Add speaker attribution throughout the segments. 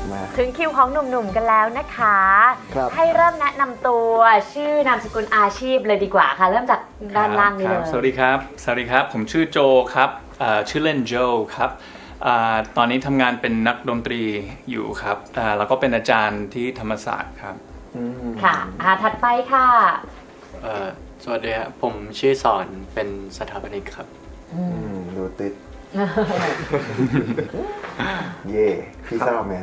Speaker 1: มา
Speaker 2: ถึงคิวของหนุ่มๆกันแล้วนะคะให้เริ่มแนะนำตัวชื่อนามสกุลอาชีพเลยดีกว่าค่ะเริ่มจากด้านล่างนี้เลย
Speaker 3: สวัสดีครับผมชื่อโจครับชื่อเล่นโจครับตอนนี้ทำงานเป็นนักดนตรีอยู่ครับแล้วก็เป็นอาจารย์ที่ธรรมศาสตร์ครับ
Speaker 2: ค่ะถัดไปค่ะ
Speaker 4: สวัสดีครับผมชื่อสอนเป็นสถาปนิกครับ
Speaker 1: ดูติดเย่พี่ซาแมน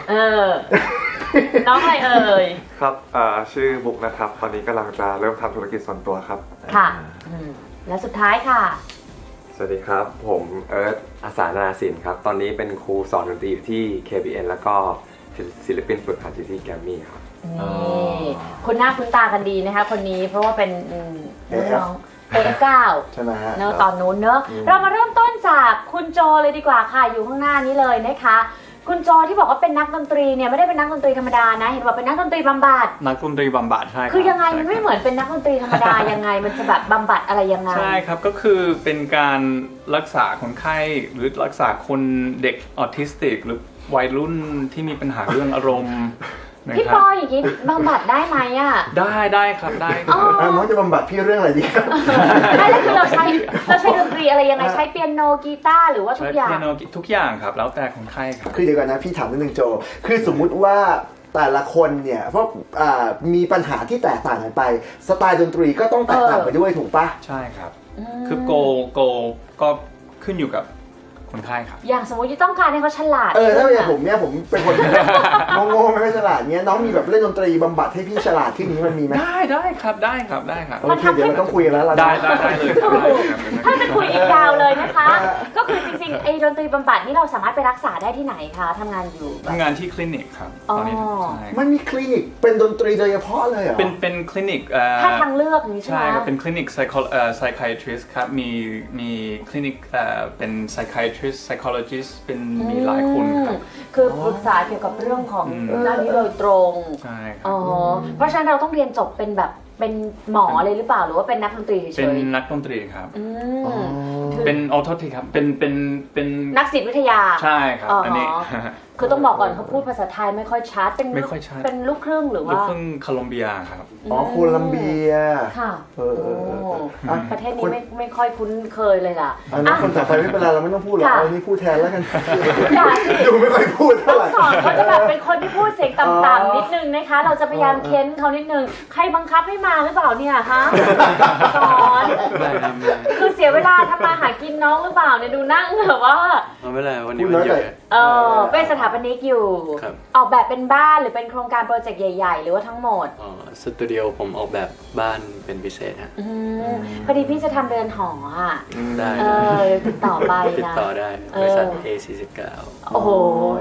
Speaker 2: น้องอะไรเอ่ย
Speaker 5: ครับชื่อบุ๊กนะครับตอนนี้กำลังจะเริ่มทำธุรกิจส่วนตัวครับ
Speaker 2: ค่ะและสุดท้ายค่ะ
Speaker 6: สวัสดีครับผมเอิร์ธอาสานาสินครับตอนนี้เป็นครูสอนดนตรีอยู่ที่ KBN แล้วก็ศิลปินฝึกหัดอยู่ที่แกรมมี่ครับ
Speaker 2: นี่คุณหน้าคุณตากันดีนะคะคนนี้เพราะว่าเป็นน้องAF9
Speaker 1: ใช่ไหมฮะ
Speaker 2: เนอะตอนนู้นเนอะเรามาเริ่มต้นจากคุณโจเลยดีกว่าค่ะอยู่ข้างหน้านี้เลยนะคะคุณโจที่บอกว่าเป็นนักดนตรีเนี่ยไม่ได้เป็นนักดนตรีธรรมดานะเห็นว่าเป็นนักดนตรีบำบัด
Speaker 3: นักดนตรีบำบัดใช่
Speaker 2: คือยังไงมันไม่เหมือนเป็นนักดนตรีธรรมดายังไงมันจะแบบบำบัดอะไรยังไง
Speaker 3: ใช่ครับก็คือเป็นการรักษาคนไข้หรือรักษาคนเด็กออทิสติกหรือวัยรุ่นที่มีปัญหาเรื่องอารมณ์
Speaker 2: พี่ปออย่างนี้บำบัดได้ไหมอ่ะ
Speaker 3: ได้ครับได้
Speaker 1: น้องจะบำบัดพี่เรื่องอะไรดีครับ
Speaker 2: ได้แล้วคือเราใช้ดนตรีอะไรยังไงใช้เปียโนกีตาร์หรือว่าทุกอย่าง
Speaker 3: ใช้เปียโนทุกอย่างครับแล้วแต่คนไข้ครับ
Speaker 1: คือเดี๋ยวก่อนนะพี่ถามนิดนึงโจคือสมมุติว่าแต่ละคนเนี่ยเพราะมีปัญหาที่แตกต่างกันไปสไตล์ดนตรีก็ต้องแตกต่างไปด้วยถูกปะ
Speaker 3: ใช่ครับคือโกก็ขึ้นอยู่กับคนไข้ครับ
Speaker 2: อย่างสมมติที่ต้องการให้เขาฉลาด
Speaker 1: ถ้าอย่างผมเนี่ยผมเป็นคนโง่ไม่ฉลาดเนี้ยน้องมีแบบเล่นดนตรีบำบัดให้พี่ฉลาดที่นี้มันมีไหม
Speaker 3: ได้ครับ
Speaker 1: โอเคเดี๋ยวเราต้องคุยกันแล้ว
Speaker 3: ได้เลย
Speaker 2: ถ้าจะคุยอีกยาวเลยนะคะก็คือจริงๆไอ้ดนตรีบำบัดนี่เราสามารถไปรักษาได้ที่ไหนคะทำงานอยู่
Speaker 3: ทำงานที่คลินิกครับตอนนี้
Speaker 1: มันมีคลินิกเป็นดนตรีโดยเฉพาะเลยเหรอ
Speaker 3: เป็นคลินิก
Speaker 2: ถ้าทางเลือกนี้ใช่ไหม
Speaker 3: ใช่ครับเป็นคลินิกpsychiatrist ครับมีคลินิกเป็น psychiatrist psychologist เป็นมีหลายคนครับ
Speaker 2: คือปรึกษาเกี่ยวกับเรื่องของด้านนี้โดยตรง
Speaker 3: ใช่ครับ
Speaker 2: เพราะฉะนั้นเราต้องเรียนจบเป็นแบบเป็นหมอเลยหรือเปล่าหรือว่าเป็นนักดนตรีเฉย
Speaker 3: เป็นนักดนตรีครับเป็นออโททีครับเป็น
Speaker 2: นักศิลปวิทยา
Speaker 3: ใช่ครับอันนี้
Speaker 2: คือต้องบอกก่อนเขาพูดภาษาไทยไม่ค่อยชัดเป็นลูกครึ่งหรือว่า
Speaker 3: ลูกครึ่งโคลอมเบียครับ
Speaker 1: โคลัมเบีย
Speaker 2: ค่ะประเทศนี้ไม่ค่อยคุ้นเคยเลยล่ะ
Speaker 1: คนต่อไปไม่เป็นไรเราไม่ต้องพูดหรอกเอานี่พูดแทนแล้วกันดูไม่ค่อยพูดเท่าไหร่
Speaker 2: สอนเขาจะแบบเป็นคนที่พูดเสียงต่ำๆนิดนึงนะคะเราจะพยายามเค้นเขานิดนึงใครบังคับให้มาหรือเปล่าเนี่ยฮะสอนคือเสียเวลาทำมาหากินน้องหรือเปล่าเนี่ยดูนั่งแบบว่า
Speaker 4: ไม่เป็นไรวันนี้มันเยอะ
Speaker 2: เป็นสถาปนิกอยู่ออกแบบเป็นบ้านหรือเป็นโครงการโปรเจกต์ใหญ่ๆหรือว่าทั้งหมด
Speaker 4: สตูดิโอผมออกแบบบ้านเป็นพิเศษฮะ
Speaker 2: พอดีพี่จะทำเรือนหออ่ะ
Speaker 4: ได้
Speaker 2: ติดต่อไปนะ
Speaker 4: ติดต่อได้บริษัท A49
Speaker 2: โอ้โห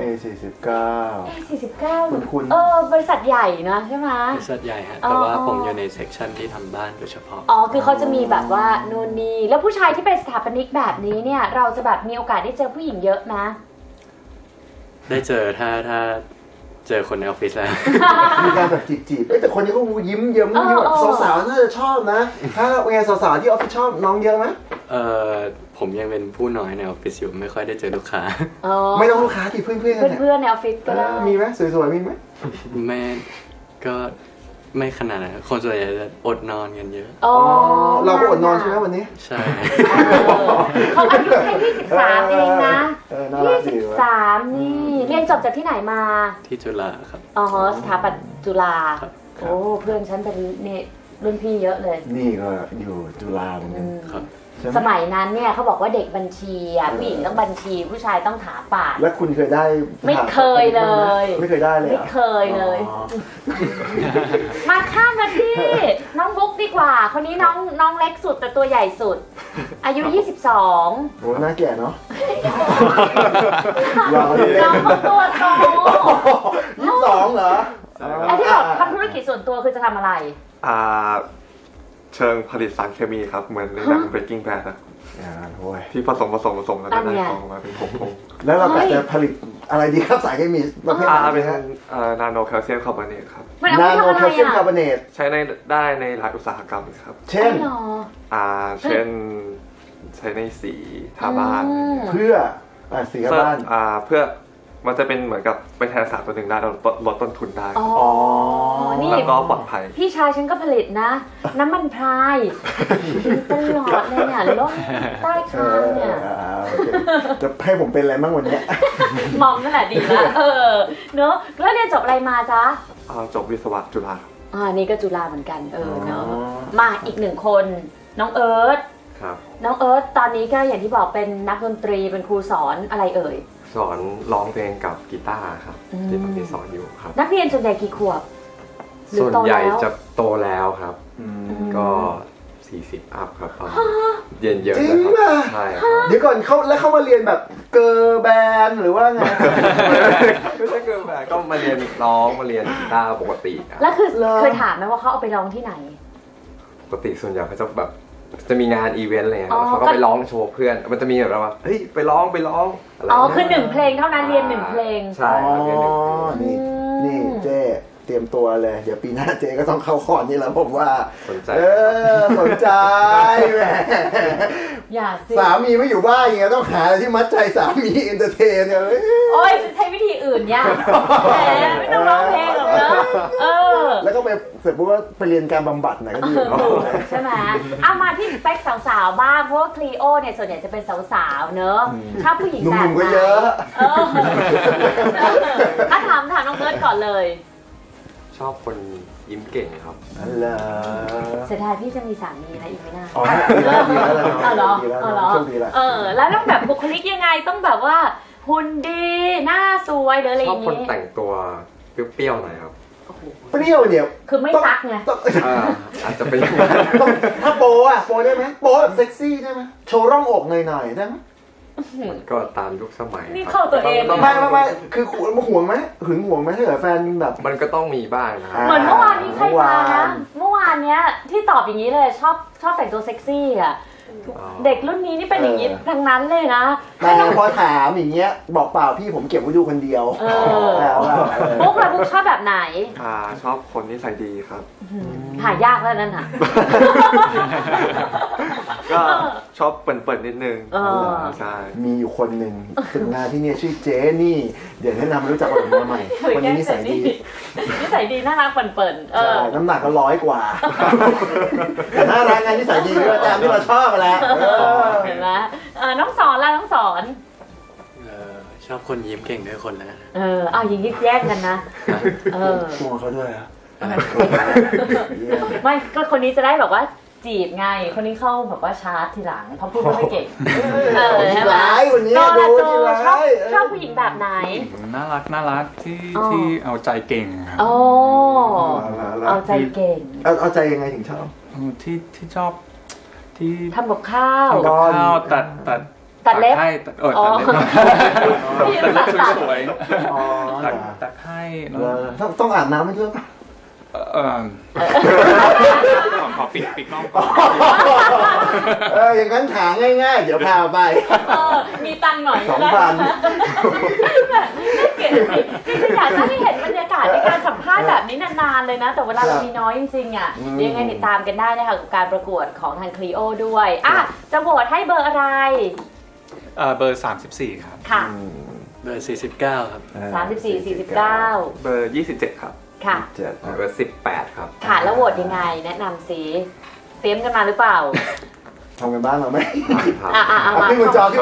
Speaker 1: A49
Speaker 2: คุณบริษัทใหญ่นะใช่ไหม
Speaker 4: บริษัทใหญ่ฮะแต่ว่าผมอยู่ในเซกชันที่ทำบ้านโดยเฉพาะ
Speaker 2: คือเขาจะมีแบบว่านู่นนี่แล้วผู้ชายที่เป็นสถาปนิกแบบนี้เนี่ยเราจะแบบมีโอกาสได้เจอผู้หญิงเยอะนะ
Speaker 4: ได้เจอถ้าเจอคนในออฟฟิศแล้ว
Speaker 1: มีการแบบจีบแต่คนนี้ก็ยิ้มเยิ้มแบบสาวๆน่าจะชอบนะถ้าเป็นไงสาวๆที่ออฟฟิศชอบน้องเยอะไหม
Speaker 4: ผมยังเป็นผู้น้อยในออฟฟิศอยู่ไม่ค่อยได้เจอลูกค้า
Speaker 1: ไม่ต้องลูกค้าที่เพื่
Speaker 2: อนในออฟฟิศก็ได้
Speaker 1: มีไหมสวยๆมีไหม
Speaker 4: ไม่ก็ไม่ขนาดนั้นคนส่วนใหญ่จะอดนอนกันเยอะ
Speaker 1: เราก็อดนอนใช่ไหมวันนี้
Speaker 4: ใช่
Speaker 2: เขาอายุแค่23เองนะ23นี่เรียนจบจากที่ไหนมา
Speaker 4: ที่จุฬาครับ
Speaker 2: สถาปัตย์จุฬาโอ้เพื่อนฉันเป็นเนี่ยรุ่นพี่เยอะเลย
Speaker 1: นี่ก็อยู่จุฬาเหมือนกัน
Speaker 4: ครับ
Speaker 2: สมัยนั้นเนี่ยเขาบอกว่าเด็กบัญชีผู้หญิงต้องบัญชีผู้ชายต้องถาปาด
Speaker 1: แล้วคุณเคยได้
Speaker 2: ไม่เคยเลย
Speaker 1: ไม่เคยได้เลย
Speaker 2: ไม่เคยเลยมาข้ามมาที่น้องบุ๊กดีกว่าคนนี้น้องเล็กสุดแต่ตัวใหญ่สุดอายุ22
Speaker 1: โหน่าแก่เนาะ
Speaker 2: น้องเขาตัวโต
Speaker 1: 22เหรอ
Speaker 2: ไอ้ที่บอกทำธุรกิจส่วนตัวคือจะทำอะไร
Speaker 5: เชิงผลิตสารเคมีครับเหมือนในหนัง Breaking Bad อะที่ผสมแล้วก็ได้ฟองมาเป็นผง
Speaker 1: แล้วเราจะผลิตอะไรดีครับสารเคมีประเภทไหน
Speaker 5: เป็นนาโนแคลเซียมคาร์บอเนตครับ
Speaker 1: นาโนแคลเซียมคาร์บอเนต
Speaker 5: ใช้ได้ในหลายอุตสาหกรรมครับ
Speaker 1: เช่น
Speaker 5: ใช้ในสีทาบ้าน
Speaker 1: เพื่อสีทาบ้าน
Speaker 5: เพื่อมันจะเป็นเหมือนกับเป็นแทนสารตัวหนึ่งได้เราลดต้นทุนได้
Speaker 2: อ๋อ นี่
Speaker 5: แล้วก็ปลอดภัย
Speaker 2: พี่ชายฉันก็ผลิตนะ น้ำมันพรายตลอดเลยเนี่ยล้นใต้คางเนี่ย
Speaker 1: โอเคจะให้ผมเป็นอะไรบ้างวันเนี้ย
Speaker 2: มองนั่นแหละดีแล้วเนอะแล้วเรียนจบอะไรมาจ๊ะ
Speaker 5: จบวิศวะจุฬา
Speaker 2: นี่ก็จุฬาเหมือนกันเนอะ
Speaker 1: อ๋อ
Speaker 2: มาอีกหนึ่งคนน้องเอิร์ธ
Speaker 6: ครับ
Speaker 2: น้องเอิร์ธตอนนี้ก็อย่างที่บอกเป็นนักดนตรีเป็นครูสอนอะไรเอ่ย
Speaker 6: สอนร้องเพลงกับกีตาร์ครับ
Speaker 2: อืม
Speaker 6: ที่ตอนนี้สอนอยู่ครับ
Speaker 2: นักเรียนส่วนใหญ่กี่ขวบหรือ
Speaker 6: ส่วน
Speaker 2: โต
Speaker 6: ใหญ่
Speaker 2: แล้ว
Speaker 6: จะโตแล้วครับ ก็ 40 อัพครับตอนนี้เรียนเยอะ
Speaker 1: จริ
Speaker 6: นะ
Speaker 1: ง
Speaker 6: ค
Speaker 1: ป่ะ
Speaker 6: รับใช่ครับ
Speaker 1: เดี๋ยวก่อนเขามาเรียนแบบเกอร์แบนด์หรือว่าไง
Speaker 6: ไม่ใช่เกินแบบก็มาเรียนร้องมาเรียนกีตาร์ปกติครับ
Speaker 2: แล้วคือ
Speaker 1: เหรอ
Speaker 2: เคยถามไหมว่าเขาเอาไปร้องที่ไหน
Speaker 6: ปกติส่วนใหญ่เขาจะแบบจะมีงานอีเวนต์อะไรเงี้ย
Speaker 2: อ๋อ
Speaker 6: แล้วเขาก็ไปร้องโชว์เพื่อน มันจะมีแบบว่าเฮ้ยไปร้องอะไร
Speaker 2: อ๋อ
Speaker 6: เงี้ย
Speaker 2: คือ1 เพลงเท่านั้นเรียน1 เพลง
Speaker 6: ใช่ครับเรียนหนึ่งเพลง
Speaker 1: นี่นี่เจ๊เตรียมตัวเลย เดี๋ยวปีหน้าเจ๊ก็ต้องเข้าคอร์สนี่แล้วผมว่า
Speaker 6: สนใจ
Speaker 1: สนใจแหม
Speaker 2: อย่าสิ
Speaker 1: สามีไม่อยู่บ้านอย่างเงี้ยต้องหาอะไรที่มัดใจสามีเอนเตอร์เทนเนี่ย
Speaker 2: โอ้ยจะใช้วิธีอื่นเนี่ยแหมไม่ต้องร้องเพลงหรอกเนอะ
Speaker 1: แล้วก็ไปเสร็จปุ๊บก็ไปเรียนการบำบัดไหนก็ดีเนาะ
Speaker 2: ใช่ไหมเอามาที่สเปคสาวๆบ้าง เพราะว่าคลีโอเนี่ยส่วนใหญ่จะเป็นสาวๆเนอะชอบผู้หญิง
Speaker 1: หนุ่
Speaker 2: แบบ
Speaker 1: มๆ
Speaker 2: ไห
Speaker 1: ก็
Speaker 2: น
Speaker 1: เยอะ
Speaker 2: ถามน้องเอิร์ธก่อนเลย
Speaker 6: ชอบคนยิ้มเก่งครับ
Speaker 1: นั่นแหละ
Speaker 2: เสียดายพี่จะมีสามีนะอีกไม่นาน
Speaker 1: อ๋อดีแล้วดีแล้ว
Speaker 2: เอาเหรอ
Speaker 1: ดีแล้ว
Speaker 2: เอาเหรอ
Speaker 1: โชคดีแล้ว
Speaker 2: แล้วต้องแบบบุคลิกยังไงต้องแบบว่าหุ่นดีหน้าสวยหรืออะไรอ
Speaker 6: ชอบ
Speaker 2: ย่าง
Speaker 6: คน
Speaker 2: นี้
Speaker 6: แต่งตัวเปรี้ยวๆหน่อยครับ
Speaker 1: เปรี้ยวเนี่ย
Speaker 2: คือไม่ซักไง
Speaker 1: ต้อง
Speaker 6: อาจจะเป็นอย่างนั้น
Speaker 1: ต้องถ้าโปอ่ะโปได้ไหมโปแบบเซ็กซี่ได้ไหมโชว์ร่องอกหน่อยๆได้ไหม
Speaker 6: ก็ตามยุคสมัย
Speaker 2: นี่
Speaker 6: ครับ
Speaker 2: เข้าตัวเอง
Speaker 1: ไม่คือห่วงไหมหึงห่วงไหมถ้าเกิดแฟนแบบ
Speaker 6: มันก็ต้องมีบ้างนะครับ
Speaker 2: เหมือนเมื่อวานนี้ใครมานะเมื่อวานเนี้ยที่ตอบอย่างนี้เลยชอบแต่งตัวเซ็กซี่อ่ะเด็กรุ่นนี้นี่เป็นอย่างนี้ทั้งนั้นเลยนะ
Speaker 1: แต่พอถามอย่างเงี้ยบอกเปล่าพี่ผมเก็บไว้ดูคนเดียว
Speaker 2: ปุ๊กล่ะปุ๊กชอบแบบไหน
Speaker 5: ชอบคนนิสัยดีครับ
Speaker 2: หายากแล้วนั่นน่ะ
Speaker 5: ก็ชอบเปิดๆนิดนึงใช่
Speaker 1: มีอยู่คนหนึ่งฝึกงานที่เนี่ยชื่อเจนี่ เดี๋ยวแนะนำรู้จักคนมาใหม่คนนี้นิสัยดี
Speaker 2: นิสัยดีน่ารักเปิ่นๆ
Speaker 1: ใช่น้ำหนักก็100 กว่าแต่น่ารักงานนิสัยดีด้วยตามที่เราชอบแหละ
Speaker 2: เห็นไหมน้องสอนล่ะน้องสอน
Speaker 4: ชอบคนยิ้มเก่งด้วยคนนะ
Speaker 2: เอาอย่างนี้แย่งกันนะ
Speaker 1: ชวนเขาด้วยอะ
Speaker 2: ไม่ก็คนนี้จะได้แบบว่าจีบไงคนนี้เข้าแบบว่าชาร์จทีหลังเพราะพูดไม่เก่ง
Speaker 1: ที่ร้ายวันนี้
Speaker 2: โจ
Speaker 1: ดู
Speaker 2: โจ
Speaker 1: ที่ร้าย
Speaker 2: ชอบผู้หญิงแบบไหน
Speaker 3: น่ารักที่
Speaker 2: อ๋อ
Speaker 3: ที่เอาใจเก่งครับ
Speaker 2: โอ้เอาใจเก่ง
Speaker 1: เอาใจยังไงถึงชอบ
Speaker 3: ที่ชอบที่
Speaker 2: ทำกับข้าว
Speaker 3: ทำกับข้าวตัด
Speaker 2: ตัดเล็บ
Speaker 3: ให้ตัดเล็บ
Speaker 2: พี่
Speaker 3: ตัดเล็บ
Speaker 2: ตัด
Speaker 3: สวย
Speaker 1: อ๋อ
Speaker 3: ตัดให้แล้ว
Speaker 1: ต้องอาบน้ำให้ด้วย
Speaker 3: ขอปิดกล้องก่อน
Speaker 1: อย่างนั้นถามง่ายๆ เดี๋ยวพาไป
Speaker 2: มีตังค์หน่อย
Speaker 1: 2,000
Speaker 2: เก๋จริงๆอยากจะให้เห็นบรรยากาศในการสัมภาษณ์แบบนี้นานๆเลยนะ แต่เวลาเรามีน้อยจริงๆอ่ะยังไงติดตามกันได้นะคะกับการประกวดของทางคลีโอด้วยจะโหวตให้เบอร์อะไร
Speaker 3: เบอร์ 34 ครับ
Speaker 2: ค่ะ
Speaker 4: เบอร์ 49 ครับ
Speaker 2: 34 49
Speaker 5: เบอร์ 27 ครับ
Speaker 2: ค่ะ
Speaker 6: เบอร์18 ครับ
Speaker 2: ค่ะแล้วโหวตยังไงแนะนำสิเตรียมกันมาหรือเปล่า
Speaker 1: ทำกันบ้านเราไหม
Speaker 6: ครับ
Speaker 1: เอาขึ้นบนจอเลย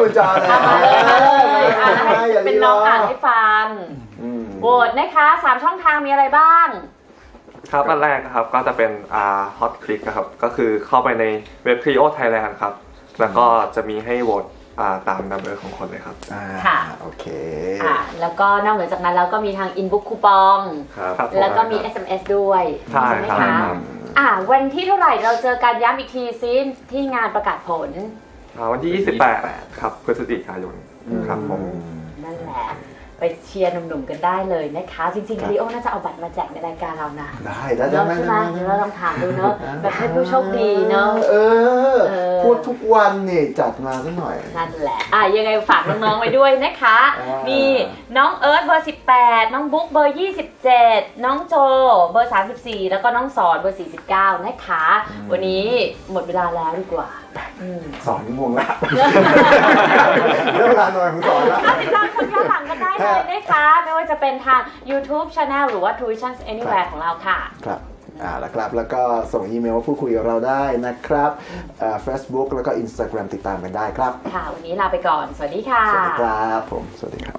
Speaker 2: ให้เป็นน้องอ่านให้ฟังโหวตนะคะ3ช่องทางมีอะไรบ้าง
Speaker 5: ครับอันแรกนะครับก็จะเป็นHot Click นะครับก็คือเข้าไปในเว็บ Clio Thailand ครับแล้วก็จะมีให้โหวตตามนัมเบอร์ของคนเลยครับ
Speaker 2: ค่ะ
Speaker 1: โอเค
Speaker 2: แล้วก็นอกเหนือจากนั้นแล้วก็มีทาง inbox คูปอง
Speaker 6: ครับ
Speaker 2: แล้วก็มี SMS ด้วย
Speaker 5: ใช่
Speaker 2: ไหม
Speaker 5: ครับ
Speaker 2: คะวันที่เท่าไหร่เราเจอกันย้ำอีกทีซิที่งานประกาศผล
Speaker 5: วันที่ 28 ครับพฤศจิกายนครับผม
Speaker 2: นั่นแหละไปเชียร์หนุ่มๆกันได้เลยนะคะจริงๆคลีโอน่าจะเอาบัตรมาแจกในรายการเรานะ
Speaker 1: ได้
Speaker 2: เนาะใช่ไหมเดี๋ยวเราลองถามดูเนาะแบบให้ผู้โชคดีเนาะ
Speaker 1: พูดทุกวันเนี่ยจัดมาสักหน่อย
Speaker 2: นั่นแหละยังไงฝากน้องๆไว้ด้วยนะคะมีน้องเอิร์ธเบอร์ 18 น้องบุ๊กเบอร์ 27 น้องโจเบอร์ 34 แล้วก็น้องสอนเบอร์ 49 นะคะ วันนี้หมดเวลาแล้วดีกว่า
Speaker 1: 2 ชั่วโมงแล้วเวลานอนของสอนแล้ว
Speaker 2: ก็ติดตามชมย้อนหลังกันได้เลยนะคะ ไม่ว่าจะเป็นทาง YouTube Channel หรือว่า True Vision Anywhere ของเราค่ะ
Speaker 1: ครับแล้วครับ แล้วก็ส่งอีเมลมาพูดคุยกับเราได้นะครับFacebook แล้วก็ Instagram ติดตามกันได้ครับ
Speaker 2: ค่ะ วันนี้ลาไปก่อน สวัสดีค่ะ
Speaker 1: สวัสดีครับผม สวัสดีครับ